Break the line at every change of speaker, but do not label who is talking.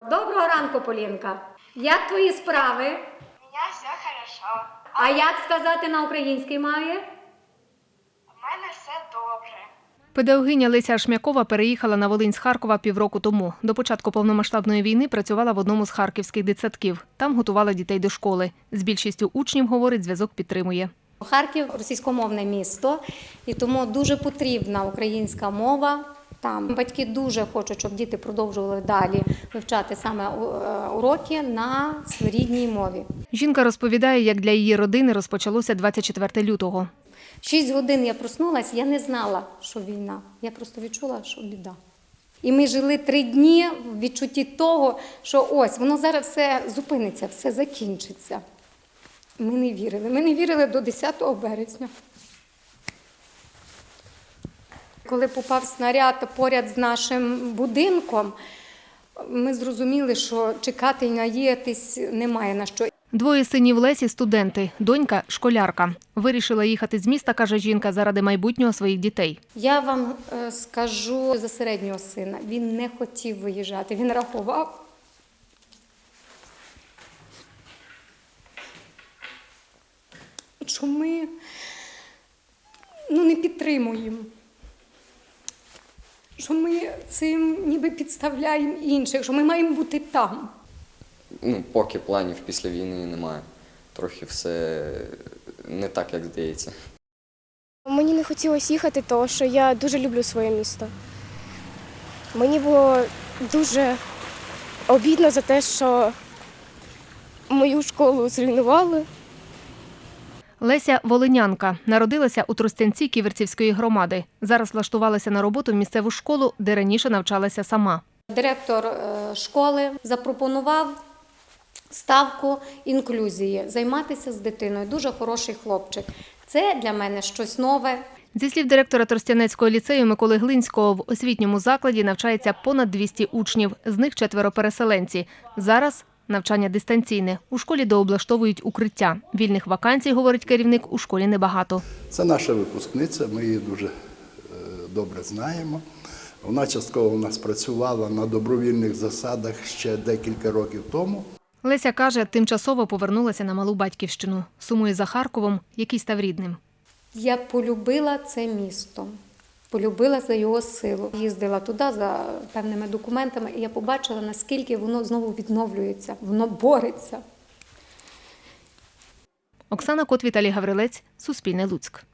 Доброго ранку, Полінка. Як твої справи?
У меня все хорошо.
А як сказати на українській мові?
У мене все добре.
Педагогиня Леся Ашмякова переїхала на Волинь з Харкова півроку тому. До початку повномасштабної війни працювала в одному з харківських дитсадків. Там готувала дітей до школи. З більшістю учнів, говорить, зв'язок підтримує.
Харків – російськомовне місто, і тому дуже потрібна українська мова. Там батьки дуже хочуть, щоб діти продовжували далі вивчати саме уроки на рідній мові.
Жінка розповідає, як для її родини розпочалося 24 лютого.
6 годин я проснулася, я не знала, що війна. Я просто відчула, що біда. І ми жили 3 дні в відчутті того, що ось, воно зараз все зупиниться, все закінчиться. Ми не вірили. Ми не вірили до 10 березня. Коли попав снаряд поряд з нашим будинком, ми зрозуміли, що чекати і надіятись немає на що.
2 синів Лесі – студенти, донька – школярка. Вирішила їхати з міста, каже жінка, заради майбутнього своїх дітей.
Я вам скажу за середнього сина. Він не хотів виїжджати, він рахував. Що ми не підтримуємо. Що ми цим ніби підставляємо інших, що ми маємо бути там.
Поки планів після війни немає. Трохи все не так, як здається.
Мені не хотілося їхати, тому що я дуже люблю своє місто. Мені було дуже обідно за те, що мою школу зруйнували.
Леся – волинянка. Народилася у Тростянці Ківерцівської громади. Зараз влаштувалася на роботу в місцеву школу, де раніше навчалася сама.
Директор школи запропонував ставку інклюзії, займатися з дитиною. Дуже хороший хлопчик. Це для мене щось нове.
Зі слів директора Тростянецького ліцею Миколи Глинського, в освітньому закладі навчається понад 200 учнів, з них 4 переселенці. Зараз навчання дистанційне. У школі дооблаштовують укриття. Вільних вакансій, говорить керівник, у школі небагато.
Це наша випускниця, ми її дуже добре знаємо. Вона частково у нас працювала на добровільних засадах ще декілька років тому.
Леся каже, тимчасово повернулася на малу батьківщину. Сумує за Харковом, який став рідним.
Я полюбила це місто, полюбила за його силу. Їздила туди за певними документами, і я побачила, наскільки воно знову відновлюється, воно бореться.
Оксана Кот, Віталій Гаврилець, Суспільне Луцьк.